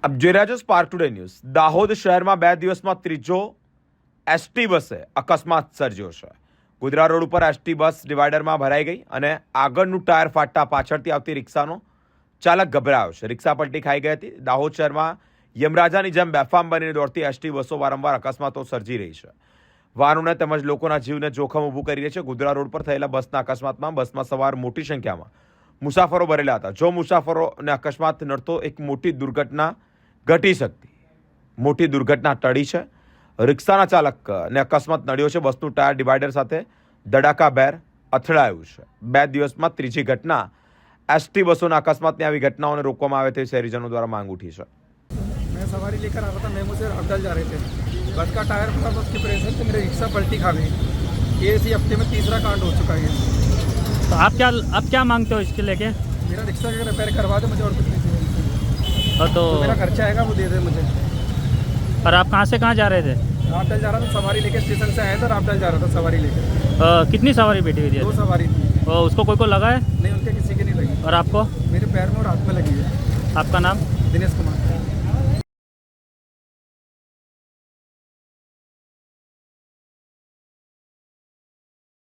આપ જોઈ રહ્યા છો સ્પાર્ક ટુડે ન્યૂઝ। દાહોદ શહેરમાં 2 દિવસમાં ત્રીજો એસટી બસે અકસ્માત સર્જ્યો છે। ગોધરા રોડ ઉપર એસટી બસ ડિવાઈડરમાં ભરાઈ ગઈ અને આગળનું ટાયર ફાટતા પાછળથી આવતી રિક્ષાનો ચાલક ગભરાયો છે। રિક્ષા પલટી ખાઈ ગઈ હતી। દાહોદ શહેરમાં યમરાજાની જેમ બેફામ બનીને દોડતી એસટી બસો વારંવાર અકસ્માતો સર્જી રહી છે। વાહનોને તેમજ લોકોના જીવને જોખમ ઊભું કરી રહી છે। ગોધરા રોડ પર થયેલા બસના અકસ્માતમાં બસમાં સવાર મોટી સંખ્યામાં મુસાફરો ભરેલા હતા। જો મુસાફરોને અકસ્માત નડતો એક મોટી દુર્ઘટના ઘટી શકતી। મોટી દુર્ઘટના ટળી છે। રિક્ષાના ચાલકને અકસ્માત નડ્યો છે। બસનું ટાયર ડિવાઈડર સાથે ધડાકાભેર અથડાયું છે। 2 દિવસમાં ત્રીજી ઘટના એસટી બસોના અકસ્માતની આવી ઘટનાઓને રોકવામાં આવે તેવી શહેરીજનો દ્વારા માંગ ઉઠી છે। मैं सवारी लेकर आ रहा था, मेमू से रावटल जा रहे थे। बस का टायर फटा, बस की प्रेशर से मेरी रिक्शा पलटी खा गई। ये इसी हफ्ते में तीसरा कांड हो चुका है। तो आप क्या मांगते हो इसके लेके? मेरा रिक्शा का रिपेयर करवा दे मुझे, और कुछ नहीं चाहिए। तो मेरा खर्चा आएगा वो दे दे मुझे। और आप कहाँ से कहाँ जा रहे थे? रावटल जा रहा था, सवारी लेके स्टेशन से आया था, रावटल जा रहा था सवारी लेके। कितनी सवारी बैठी हुई थी? 2 सवारी थी। और उसको कोई को लगा है? नहीं, उनके किसी की नहीं लगी। और आपको? मेरे पैर में और हाथ में लगी है। आपका नाम? दिनेश कुमार।